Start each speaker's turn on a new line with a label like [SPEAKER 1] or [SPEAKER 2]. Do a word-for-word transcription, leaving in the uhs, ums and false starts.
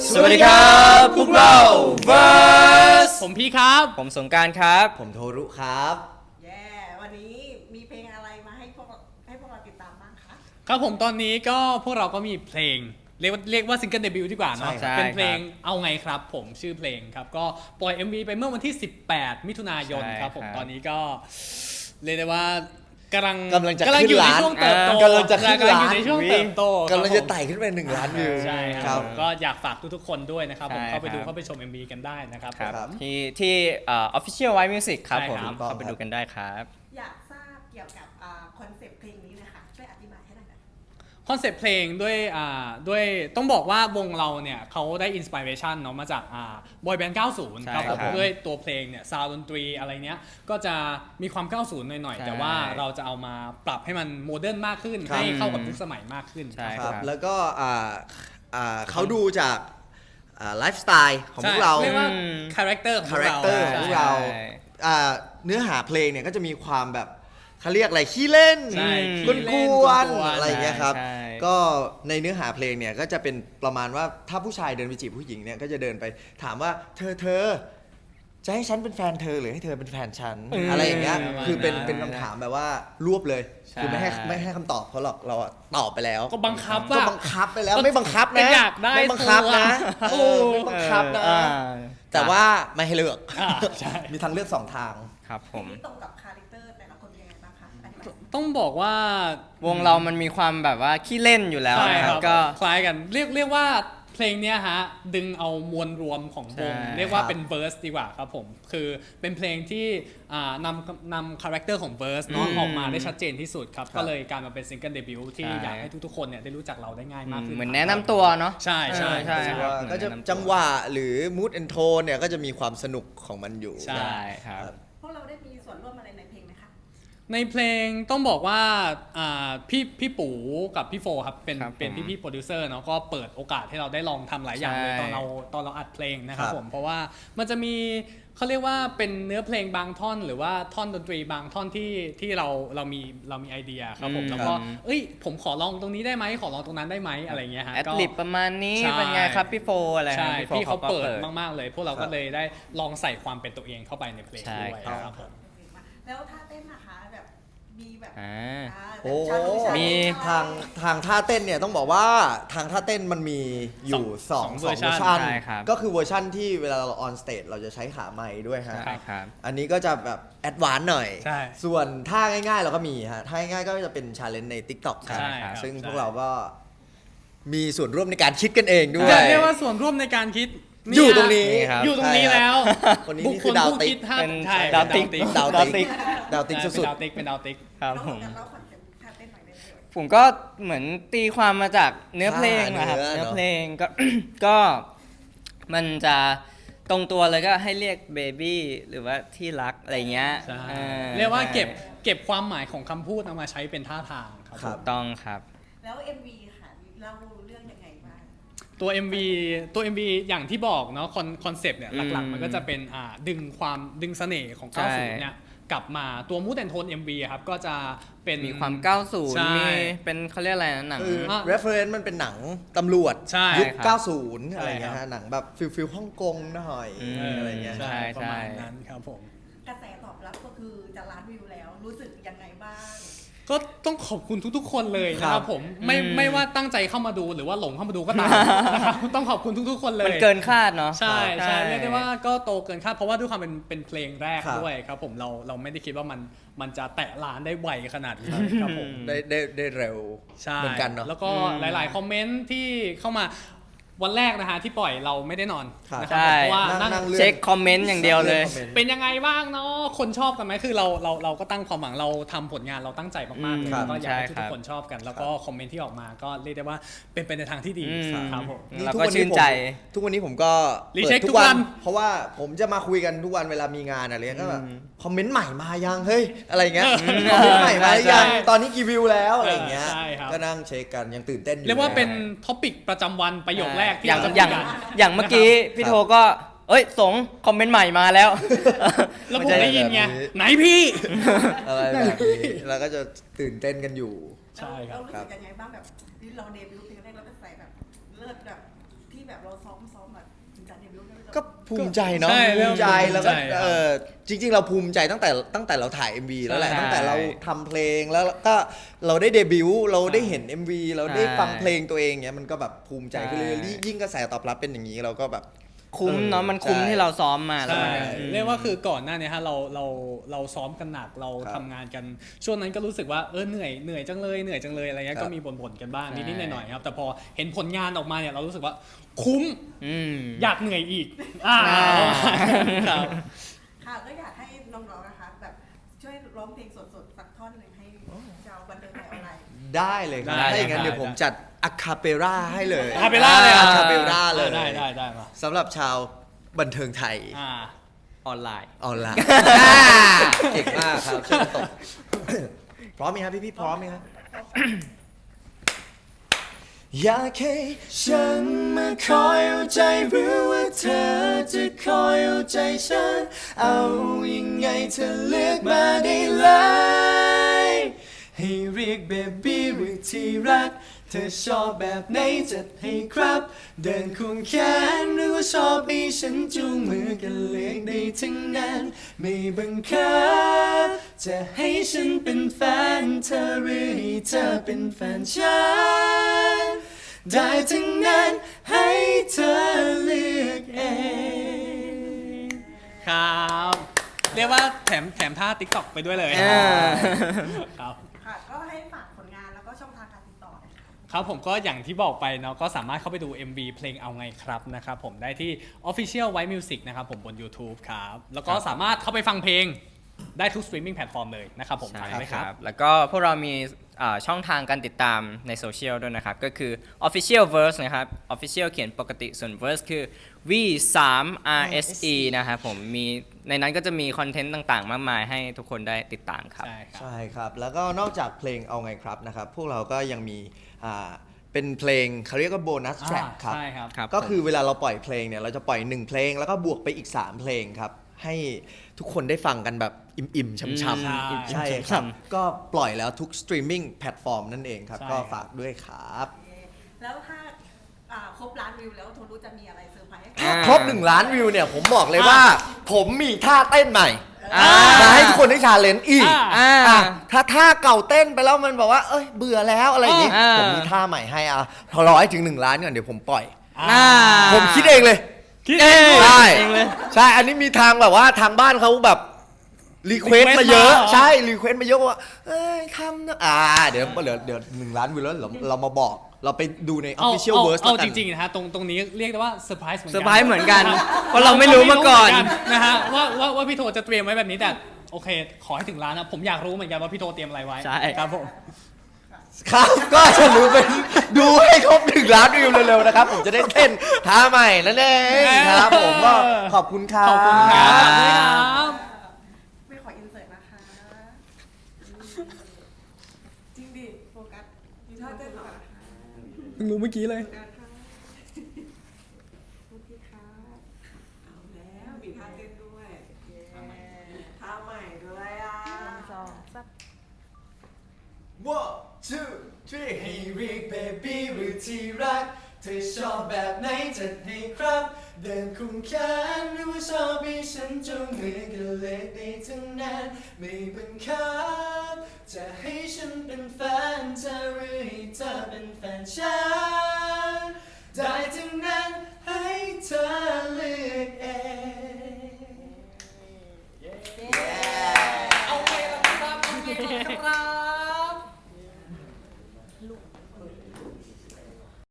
[SPEAKER 1] สวัสดีครับพวกเรา Verse
[SPEAKER 2] ผมพี่ครับ
[SPEAKER 1] ผมสงกรานต์ครับ
[SPEAKER 3] ผมโทรุครับ
[SPEAKER 4] แย่วันนี้มีเพลงอะไรมาให้พวกให้พวกเราติดตามบ้างคะ
[SPEAKER 2] ครับผมตอนนี้ก็พวกเราก็มีเพลงเรียกว่าเรียกว่าซิงเกิลเดบิวต์ดีกว่าเนาะเป็นเพลงเอาไงครับผมชื่อเพลงครับก็ปล่อย เอ็ม วี ไปเมื่อวันที่สิบแปดมิถุนายนครับผมตอนนี้ก็เรียกได้ว่ากำลัง
[SPEAKER 3] กำลังจะ
[SPEAKER 2] กำลัง
[SPEAKER 3] ขึ้
[SPEAKER 2] อน ยู่ใน
[SPEAKER 3] ล้าน
[SPEAKER 2] ช่วงเติบโต
[SPEAKER 3] กำลังจะขึ้นล้าน
[SPEAKER 2] อยู่ในช่วงเติบโต
[SPEAKER 3] กำลังจะไต่ขึ้นไปหนึ่งล้านวิว
[SPEAKER 2] ใช่ครับผมก็อยากฝากทุกๆคนด้วยนะครับผมเข้าไปดูเข้าไปชม เอ็ม วี กันได้นะครับ
[SPEAKER 1] ครับที่ที่เอ่อ Official White Music ครับผมเข้าไปดูกันได้ครับ
[SPEAKER 4] อยากทราบเกี่ยวกับคอนเซปต์เพลงนี้เลยค่ะช่วยอธิบายให้หน่อยนะ
[SPEAKER 2] คอนเซปต์เพลงด้วยอ่าด้วยต้องบอกว่าวงเราเนี่ยเขาได้อินสปิเรชันเนาะมาจากอ่าบอยแบนด์ เก้าสิบ ครับผมด้วยตัวเพลงเนี่ยซาวด์ดนตรีอะไรเนี้ยก็จะมีความ เก้าสิบ หน่อยๆแต่ว่าเราจะเอามาปรับให้มันโมเดิร์นมากขึ้นให้เข้ากับยุคสมัยมากขึ้น
[SPEAKER 3] ครั
[SPEAKER 1] ใช่ครับ
[SPEAKER 3] บแล้วก็อ่าอ่าเขาดูจากไลฟ์สไตล์ของพวกเรา
[SPEAKER 2] เรียกว่าคาแรคเตอร์ของ
[SPEAKER 3] คาแรคเตอร์ของพวกเรา
[SPEAKER 1] ใช่
[SPEAKER 3] อ่าเนื้อหาเพลงเนี่ยก็จะมีความแบบเขาเรียกอะไรขี้เล่น
[SPEAKER 2] ใช่
[SPEAKER 3] กวนกวนๆอะไรอย่างเงี้ยครับ
[SPEAKER 1] ใช่
[SPEAKER 3] ก็ในเนื้อหาเพลงเนี่ยก็จะเป็นประมาณว่าถ้าผู้ชายเดินไปจีบผู้หญิงเนี่ยก็จะเดินไปถามว่าเธอเธอจะให้ฉันเป็นแฟนเธอหรือให้เธอเป็นแฟนฉันอะไรอย่างเงี้ยคือเป็นเป็นคำถามแบบว่ารวบเลยคือไม่ให้ไม่ให้คำตอบเขาหรอกเราอะตอบไปแล้ว
[SPEAKER 2] ก็บังคับ
[SPEAKER 3] ก็
[SPEAKER 2] ว่า
[SPEAKER 3] บังคับไปแล้วไม่บังคับนะ
[SPEAKER 2] อยากได้
[SPEAKER 3] ไม่บังคับนะ
[SPEAKER 2] โอ้
[SPEAKER 3] เออไม่บังคับนะ
[SPEAKER 1] อ่า
[SPEAKER 3] แต่ว่าไม่ให้เลือก
[SPEAKER 2] อ่าใช่
[SPEAKER 3] มีทางเลือกสองทาง
[SPEAKER 1] ครับผม
[SPEAKER 4] ตรงกับคาแรคเตอร์แต่ละคนยังไงบ้างคะอธิบาย
[SPEAKER 2] ต้องบอกว่าว
[SPEAKER 1] งเรามันมีความแบบว่าขี้เล่นอยู่แล้ว
[SPEAKER 2] ใช่
[SPEAKER 1] นะ
[SPEAKER 2] ค
[SPEAKER 1] ค
[SPEAKER 2] รั
[SPEAKER 1] รั
[SPEAKER 2] บบ
[SPEAKER 1] ก็
[SPEAKER 2] คล้ายกันเรียกเรียกว่าเพลงเนี้ยฮะดึงเอามวลรวมของวง
[SPEAKER 1] ใช่
[SPEAKER 2] เรียกว่า
[SPEAKER 3] ครับ
[SPEAKER 2] เป็นเวอร์สดีกว่าครับผมคือเป็นเพลงที่อ่านำนำคาแรคเตอร์ของเวอร์สเนาะ
[SPEAKER 1] อืม
[SPEAKER 2] ออกมาได้ชัดเจนที่สุดครับ
[SPEAKER 3] ครับ
[SPEAKER 2] ก็เลยการมาเป็นซิงเกิลเดบิวต์ที่
[SPEAKER 1] ใช่
[SPEAKER 2] อยากให้ทุกๆคนเนี่ยได้รู้จักเราได้ง่ายมากขึ้น
[SPEAKER 1] เหมือนแนะนำตัวเนาะ
[SPEAKER 2] ใช่ใช่
[SPEAKER 1] ใช่
[SPEAKER 2] ใช่
[SPEAKER 1] ครับ
[SPEAKER 3] ก็จะจังหวะหรือ mood and tone เนี่ยก็จะมีความสนุกของมันอยู่
[SPEAKER 2] ใช่
[SPEAKER 1] ใช่ครับ
[SPEAKER 4] พวกเราได้มีส่วนร่วมอะไรในเพลงไหมคะ
[SPEAKER 2] ในเพลงต้องบอกว่าอ่าพี่พี่ปู่กับพี่โฟครับเป็น
[SPEAKER 1] ครับ
[SPEAKER 2] เป็น
[SPEAKER 1] ผม
[SPEAKER 2] พี่พี่โปรดิวเซอร์เนาะก็เปิดโอกาสให้เราได้ลองทำหลายอย่างเลย
[SPEAKER 1] ใช่
[SPEAKER 2] ตอนเราตอนเราอัดเพลงนะครับ
[SPEAKER 3] ครับ
[SPEAKER 2] ผมเพราะว่ามันจะมีเขาเรียกว่าเป็นเนื้อเพลงบางท่อน หรือว่าท่อนดนตรีบางท่อนที่ที่เราเรามีเรามีไอเดียครับผม
[SPEAKER 1] อืม
[SPEAKER 2] แล้วก็เอ้ยผมขอลองตรงนี้ได้ไหมขอลองตรงนั้นได้ไหมอะไรเงี้ยฮะ
[SPEAKER 1] แอด
[SPEAKER 2] ก็
[SPEAKER 1] ลิปประมาณนี้
[SPEAKER 2] ใช่
[SPEAKER 1] เป็นไงครับพี่โฟอะไร
[SPEAKER 2] ใช่
[SPEAKER 1] ครับโฟ
[SPEAKER 2] พี่เขาเปิด
[SPEAKER 1] ก็
[SPEAKER 2] มากๆเลย พวกเราก็เลยได้ลองใส่ความเป็นตัวเองเข้าไปในเพลง
[SPEAKER 1] ใช่
[SPEAKER 2] ด้วย
[SPEAKER 1] ครับ
[SPEAKER 2] ครับผม
[SPEAKER 4] แล้วท่าเต้นนะคะแบบมีแบบ
[SPEAKER 1] อ่า
[SPEAKER 4] อ่า
[SPEAKER 3] โอ้
[SPEAKER 4] แบบชาลูชา
[SPEAKER 1] มี
[SPEAKER 3] ทางทางท่าเต้นเนี่ยต้องบอกว่าทางท่าเต้นมันมีอยู่สอง
[SPEAKER 2] สอง
[SPEAKER 3] สอง
[SPEAKER 2] เว
[SPEAKER 3] เว
[SPEAKER 2] อ
[SPEAKER 3] อ
[SPEAKER 2] ร์
[SPEAKER 3] ร์
[SPEAKER 2] ชัน
[SPEAKER 3] ชัน
[SPEAKER 1] ใช่ครับ
[SPEAKER 3] ก็คือเวอร์ชันที่เวลาเราออนสเตจเราจะใช้ขาไม้ด้วยฮะ
[SPEAKER 1] ใช่ครับ
[SPEAKER 3] อันนี้ก็จะแบบแอดวานซ์หน่อย
[SPEAKER 2] ใช่
[SPEAKER 3] ส่วนท่าง่ายๆเราก็มีฮะท่าง่ายๆก็จะเป็นชาเลนจ์ใน TikTok
[SPEAKER 1] ใช่
[SPEAKER 2] ใช่
[SPEAKER 1] ครับ
[SPEAKER 3] ซึ่ง
[SPEAKER 2] ใช่
[SPEAKER 3] พวกเราก็มีส่วนร่วมในการคิดกันเองด้ว
[SPEAKER 2] อย ยากเรียกว่าส่วนร่วมในการคิด
[SPEAKER 3] อยู่ตรงนี้
[SPEAKER 1] นี่ครับ
[SPEAKER 2] อยู่ตรงนี้แล้ว
[SPEAKER 3] คนนี้
[SPEAKER 2] บุค
[SPEAKER 3] นี่
[SPEAKER 2] ค
[SPEAKER 3] คือ
[SPEAKER 2] ล
[SPEAKER 3] ดาว
[SPEAKER 2] ผู้
[SPEAKER 3] ติ๊
[SPEAKER 2] คิ
[SPEAKER 3] ก
[SPEAKER 2] ดท่า
[SPEAKER 1] เป็น
[SPEAKER 2] ใช่
[SPEAKER 1] ดาวติ๊ก
[SPEAKER 3] ดาว
[SPEAKER 1] ดาว
[SPEAKER 3] ติ๊
[SPEAKER 1] ติ๊
[SPEAKER 3] ก
[SPEAKER 1] ก
[SPEAKER 3] ดาวติ๊ก
[SPEAKER 2] ใช่
[SPEAKER 3] สุด
[SPEAKER 2] เป็นดาวติ๊กเป็นดาวติ๊ก
[SPEAKER 1] ครับ
[SPEAKER 4] แล้ว
[SPEAKER 1] ผม
[SPEAKER 4] แล้วคอนเซ็ปต์ท่าเต้นหน่อยได้ไหม
[SPEAKER 1] ผมก็เหมือนตีความมาจากเนื้อเพลงนะครับ
[SPEAKER 3] อ่าเนื้อ
[SPEAKER 1] เนื้อ
[SPEAKER 3] เนอะ
[SPEAKER 1] เพลงก็ ก็มันจะตรงตัวเลยก็ให้เรียกเบบี้หรือว่าที่รักอะไรเงี้ย
[SPEAKER 2] ใช่
[SPEAKER 1] ออ
[SPEAKER 2] เรียกว่าเก็บ
[SPEAKER 1] ใช่
[SPEAKER 2] เก็บความหมายของคำพูดเอามาใช้เป็นท่าทางครับ
[SPEAKER 3] ครับ
[SPEAKER 1] ถูกต้องครับ
[SPEAKER 4] แล้ว เอ็ม วี ค่ะเล่าเรื่องยังไงบ้าง
[SPEAKER 2] ตัว เอ็ม วี ตัว เอ็ม วี อย่างที่บอกเนาะคอนคอนเซปต์เนี่ย
[SPEAKER 1] อืม
[SPEAKER 2] หลักๆ มันก็จะเป็นอ่าดึงความดึงเสน่ห์ของ
[SPEAKER 1] ใช่
[SPEAKER 2] เก้าสิบเนี่ยกลับมาตัวมูดแอนโทน เอ็ม วี ครับก็จะเป็น
[SPEAKER 1] มีความเก้าสิบ
[SPEAKER 2] ใช่
[SPEAKER 1] มีเป็นเขาเรียกอะไรนะหนัง
[SPEAKER 3] คือ
[SPEAKER 2] อ่ะ
[SPEAKER 3] reference มันเป็นหนังตำรวจ
[SPEAKER 2] ใช่
[SPEAKER 3] ยุค
[SPEAKER 1] ครับ
[SPEAKER 3] เก้าสิบ อะไร
[SPEAKER 2] ใช่
[SPEAKER 3] เงี้ย
[SPEAKER 2] ครั
[SPEAKER 3] ฮะ
[SPEAKER 2] บ
[SPEAKER 3] หนังแบบฟิลฟิลฮ่องกงหน่อย
[SPEAKER 1] อืม
[SPEAKER 3] อะไรเงี้ย
[SPEAKER 2] ใช่
[SPEAKER 1] ใช่
[SPEAKER 2] ประมาณนั้นครับผม
[SPEAKER 4] กระแสตอบรับก็คือจะล้านวิวแล้วรู้สึกยังไงบ้าง
[SPEAKER 2] ก็ต้องขอบคุณทุกๆ คนเลยนะค
[SPEAKER 3] ครั
[SPEAKER 2] รับบ ผมไม่
[SPEAKER 1] อืม
[SPEAKER 2] ไม่ว่าตั้งใจเข้ามาดูหรือว่าหลงเข้ามาดูก็ตามนะครับต้องขอบคุณทุกๆ คนเลย
[SPEAKER 1] มันเกินคาดเนาะ
[SPEAKER 2] ใช่ใช่
[SPEAKER 1] ใช่
[SPEAKER 2] เรียกได้ว่าก็โตเกินคาดเพราะว่าด้วยความเป็นเป็นเพลงแรก
[SPEAKER 3] ครับ
[SPEAKER 2] ด้วยครับผมเราเราไม่ได้คิดว่ามันมันจะแตะล้านได้ไวขนาดนี้ครับผม
[SPEAKER 3] ได้ได้ได้เร็ว
[SPEAKER 2] ใช่
[SPEAKER 3] เหมือนกันเนาะ
[SPEAKER 2] แล้วก็
[SPEAKER 1] อืม
[SPEAKER 2] หลาย ๆ คอมเมนต์ที่เข้ามาวันแรกนะฮะที่ปล่อยเราไม่ได้นอน
[SPEAKER 3] ครับ
[SPEAKER 2] นะครับ
[SPEAKER 1] ใช่
[SPEAKER 2] เพราะว่า
[SPEAKER 3] นั่
[SPEAKER 2] นั่
[SPEAKER 3] ง
[SPEAKER 2] ง
[SPEAKER 3] นั่งเลือก
[SPEAKER 1] เช็คคอมเมนต์อย่างเดียวเลย
[SPEAKER 2] เป็นยังไงบ้างเนาะคนชอบกันไหมคือเราเราเราก็ตั้งความหวังเราทำผลงานเราตั้งใจมากๆเลย
[SPEAKER 1] ครับ
[SPEAKER 2] แล้วก็อยากให้
[SPEAKER 1] ใช่
[SPEAKER 2] ทุ
[SPEAKER 1] ครั
[SPEAKER 2] ก
[SPEAKER 1] บ
[SPEAKER 2] ๆคนชอบกัน แล้วก็คอมเมนต์ที่ออกมาก็เรียกได้ว่าเป็นไปในทางที่ดี
[SPEAKER 1] อืม
[SPEAKER 2] ครับผม
[SPEAKER 3] นี่
[SPEAKER 1] เรา
[SPEAKER 3] ทุ
[SPEAKER 1] ก็
[SPEAKER 3] วัน
[SPEAKER 1] ชื่
[SPEAKER 3] นี้
[SPEAKER 1] นใจ
[SPEAKER 3] ผมทุกวันนี้ผมก็
[SPEAKER 2] รีเช็ค
[SPEAKER 3] ปิด
[SPEAKER 2] ทุกวัน
[SPEAKER 3] เพราะว่าผมจะมาคุยกันทุกวันเวลามีงานอะไรเงี้ยก็แบบ
[SPEAKER 1] อืม
[SPEAKER 3] คอมเมนต์ใหม่มายังเฮ้ยอะไรเงี้ย
[SPEAKER 2] อืม
[SPEAKER 3] คอมเมนต์ใหม่มาหรือยัง
[SPEAKER 2] ใช่
[SPEAKER 3] ตอนนี้กี่วิวแล้วอะไรเงี้ย
[SPEAKER 2] ใช่ครับ
[SPEAKER 3] ก็นั่งเช็คกันยังตื่นเต้นอยู่
[SPEAKER 2] เรียกว่าเป็นท็อปิกประจำวันประโยคแรกที่
[SPEAKER 1] อย่าง
[SPEAKER 2] เราจะ
[SPEAKER 1] อย่าง
[SPEAKER 2] คุกัน
[SPEAKER 1] อย่างเมื่อกี้พี่โทก็ เอ้ยสงคอมเมนต์ใหม่มาแล้ว
[SPEAKER 2] แล้วผมได้ยินไงไหนพี่
[SPEAKER 3] อะไรแบบนี้เราก็จะตื่นเต้นกันอยู่
[SPEAKER 2] ใช่ครับ
[SPEAKER 4] เรารู้สึกยังไงบ้างแบบที่เราเดบิวต์เพลงแรกเราก็ใส่แบบเลิศแบบที่แบบเราซ้อมซ้อมแบบถึงจะเดบิวต์ได้ไหม
[SPEAKER 3] ก็ภูมิใจเนาะ
[SPEAKER 2] ใช่
[SPEAKER 3] ภูมิใจ
[SPEAKER 2] เรื่
[SPEAKER 3] แล้
[SPEAKER 2] อ
[SPEAKER 3] ว
[SPEAKER 2] งภู
[SPEAKER 3] ก็
[SPEAKER 2] มิใจ
[SPEAKER 3] เออจริง ๆ เราภูมิใจตั้งแต่ตั้งแต่เราถ่าย เอ็ม วี แล้วแหละ
[SPEAKER 1] ใช่
[SPEAKER 3] ตั้งแต่เราทำเพลงแล้วก็เราได้เดบิวต์เราได้เห็น เอ็ม วี เราได้
[SPEAKER 1] ใช่
[SPEAKER 3] ฟังเพลงตัวเองเนี้ยมันก็แบบภูมิใจขึ้นเรื่อย
[SPEAKER 1] ใช่
[SPEAKER 3] ๆยิ่งกระแสตอบรับเป็นอย่างนี้เราก็แบบ
[SPEAKER 1] คุ้มเนาะมันคุ้ม
[SPEAKER 3] ใช่
[SPEAKER 1] ที่เราซ้อมมาแล้ว
[SPEAKER 2] ใช่
[SPEAKER 1] มันอืม
[SPEAKER 2] เรียกว่าคือก่อนหน้านี้ฮะเราเราเราซ้อมกันหนักเรา
[SPEAKER 3] ครับ
[SPEAKER 2] ทำงานกัน ช่วงนั้นก็รู้สึกว่าเออเหนื่อยเหนื่อยจังเลยเหนื่อยจังเลยอะไรเงี้ย
[SPEAKER 3] ครับ
[SPEAKER 2] ก็มีบ่นๆกันบ้าง
[SPEAKER 1] ใช่
[SPEAKER 2] นิดๆหน่อยๆครับแต่พอเห็นผลงานออกมาเนี่ยเรารู้สึกว่าคุ้ม
[SPEAKER 1] อืม
[SPEAKER 2] อยากเหนื่อยอีกอ่า
[SPEAKER 1] อ่า
[SPEAKER 2] ครับ
[SPEAKER 4] ค่ะก็อยากให้น้องๆนะคะแบบช่วยร้องเพลงสดๆสักท่อนหนึ่งให้ชาวบันเทิงไทยออนไลน์
[SPEAKER 3] ได้เลยครับ
[SPEAKER 2] ได้
[SPEAKER 3] ถ้าอย่างนั้น
[SPEAKER 2] ได้
[SPEAKER 3] เดี๋ยวผมจัดอะคาเปร่าให้เลย
[SPEAKER 2] อะคาเปร่าเลยเหรอ
[SPEAKER 3] อะคาเปร่าเลย
[SPEAKER 2] ได้ได้ได้มา
[SPEAKER 3] สำหรับชาวบันเทิงไทย
[SPEAKER 2] อ่า
[SPEAKER 1] ออนไลน์
[SPEAKER 3] ออนไลน์เก่งมากครับช่วยกันตบ พร้อมไหมครับพี่พี่ๆพร้อมไหมครับ อยากให้ฉันมาคอยเอาใจหรือว่าเธอจะคอยเอาใจฉัน เอายังไงเธอเลือกมาได้เลย ให้เรียกเบบี้หรือที่รัก เธอชอบแบบไหนจัดให้ครับ เดินควงแขนหรือว่าชอบให้ฉันจูงมือกันเลือกได้ทั้งนั้น ไม่บังคับจะให้ฉันเป็นแฟนเธอหรือให้เธอเป็นแฟนฉัน ได้ทั้งนั้นให้เธอเลือกเอง
[SPEAKER 2] ครับเรียกว่าแถมแถมท่า ติ๊กต็อก ไปด้วยเลย
[SPEAKER 1] อ่า
[SPEAKER 2] ครับ
[SPEAKER 4] ค่ะก็ให้ฝากผลงานแล้วก็ช่องทางการติดต่อหน่อยค่ะ
[SPEAKER 2] ครับผมก็อย่างที่บอกไปเนาะก็สามารถเข้าไปดู เอ็ม วี เพลงเอาไงครับนะครับผมได้ที่ Official White Music นะครับผมบน YouTube ครับแล้วก็สามารถเข้าไปฟังเพลงได้ทุก streaming platform เลยนะครับผม
[SPEAKER 1] ใช่
[SPEAKER 2] ฝากไหมครับ
[SPEAKER 1] แล้วก็พวกเรามีอ่าช่องทางการติดตามในโซเชียลด้วยนะครับ ก็คือ Official Verse นะครับ Official เขียนปกติส่วน Verse คือ วี ทรี อาร์ เอส อี นะครับผมมีในนั้นก็จะมีคอนเทนต์ต่างๆ มากมายให้ทุกคนได้ติดตามครับ
[SPEAKER 2] ใช่ครับ
[SPEAKER 3] ใช่ครับ แล้วก็นอกจากเพลงเอาไงครับนะครับ พวกเราก็ยังมีอ่าเป็นเพลงเขาเรียกว่าโบนัสแทร็กครับ
[SPEAKER 2] ใช่ครับ
[SPEAKER 1] ครับ
[SPEAKER 3] ก็คือเวลาเราปล่อยเพลงเนี่ยเราจะปล่อยหนึ่งเพลงแล้วก็บวกไปอีกสามเพลงครับ ให้ทุกคนได้ฟังกันแบบอิ่มๆช่ำ
[SPEAKER 2] ใช่
[SPEAKER 3] ๆใช่ครับ ก็ปล่อยแล้วทุกสตรีมมิ่งแพลตฟอร์มนั่นเองครับ
[SPEAKER 2] ใช่
[SPEAKER 3] ก็
[SPEAKER 2] ครับ
[SPEAKER 3] ฝากด้วยครับ
[SPEAKER 4] แล้วถ้าอ่าครบล้านวิวแล้วโทรู้จะมีอะไรเซอร์ไพรส์ให้
[SPEAKER 1] อ่า
[SPEAKER 3] ครบหนึ่งล้านวิวเนี่ยผมบอกเลยว่า ผมมีท่าเต้นใหม่
[SPEAKER 1] อ่า
[SPEAKER 3] มาให้ทุกคนได้ชาเลนจ์อีก
[SPEAKER 2] อ่า
[SPEAKER 1] อ่า
[SPEAKER 3] อ่ะถ้าท่าเก่าเต้นไปแล้วมันบอกว่า เอ้ยเบื่อแล้วอะไรอย่างงี้
[SPEAKER 1] อ่า
[SPEAKER 3] ผมมีท่าใหม่ให้อ่ะรอให้ถึงหนึ่งล้านก่อนเดี๋ยวผมปล่อย
[SPEAKER 1] อ่า
[SPEAKER 3] ผมคิดเองเลย
[SPEAKER 2] คิดเอง
[SPEAKER 3] ใช่
[SPEAKER 1] เองเลย
[SPEAKER 3] ใช่ อันนี้มีทางแบบว่าทางบ้านเขาแบบรีเควส
[SPEAKER 2] request
[SPEAKER 3] มาเยอะ
[SPEAKER 2] มาเหรอ
[SPEAKER 3] ใช่รีเควสมาเยอะว่า เอ้ยทำนะอ่า เดี๋ยวเดี๋ยวเดี๋ยวหนึ่งล้านวิวแล้วเราเรามาบอก เราไปดูใน
[SPEAKER 2] เอา
[SPEAKER 3] official
[SPEAKER 2] เอา
[SPEAKER 3] verse
[SPEAKER 2] เอา
[SPEAKER 3] แล้ว
[SPEAKER 2] จ
[SPEAKER 3] กัน
[SPEAKER 2] ริงๆนะฮะตรงตรงนี้เรียกได้ว่าเซอร์ไพรส์เหมือนกัน
[SPEAKER 1] เซอร์ไพรส์เหมือนกัน เพราะเราไม่รู้มาก่อน
[SPEAKER 2] เรไม่รู้เหมืนะฮะว่าว่าว่าพี่โทจะเตรียมไว้แบบนี้แต่โอเค ขอให้ถึงล้านนะผมอยากรู้เหมือนกันว่าพี่โทเตรียมอะไรไว้
[SPEAKER 1] ใช่
[SPEAKER 2] ครับผม
[SPEAKER 3] ครับ ก็จะรู้เป็นดูให้ครบหนึ่งล้านวิวเร็วๆนะครับ ผมจะได้เต้นท่าใหม่นั่นเองครับ ผมก็ขอบคุณครับ
[SPEAKER 2] ขอบคุณครับ
[SPEAKER 1] ครับ
[SPEAKER 2] ขอบคุณครับ
[SPEAKER 4] ไม่ขออินเสิร์ตนะคะจริงดิโฟกัสมีท่าเต้นหรอ
[SPEAKER 2] เพิ่งรู้เมื่อกี้เลย
[SPEAKER 4] โฟกัสค่ะโอเคค่ะเอาแล้วมีท่าเต้นด้วยท่าใหม่ด้วยอ่ะสองสาม
[SPEAKER 3] one two three ให้เรียก baby หรือที่รัก เธอชอบแบบไหนจัดให้ครับ เดินคุมแขนหรือว่าชอบให้ฉันจูงมือกันเลยได้ทั้งนั้นไม่บังคับจะให้ฉันเป็นแฟนเธอหรือให้เธอเป็นแฟนฉั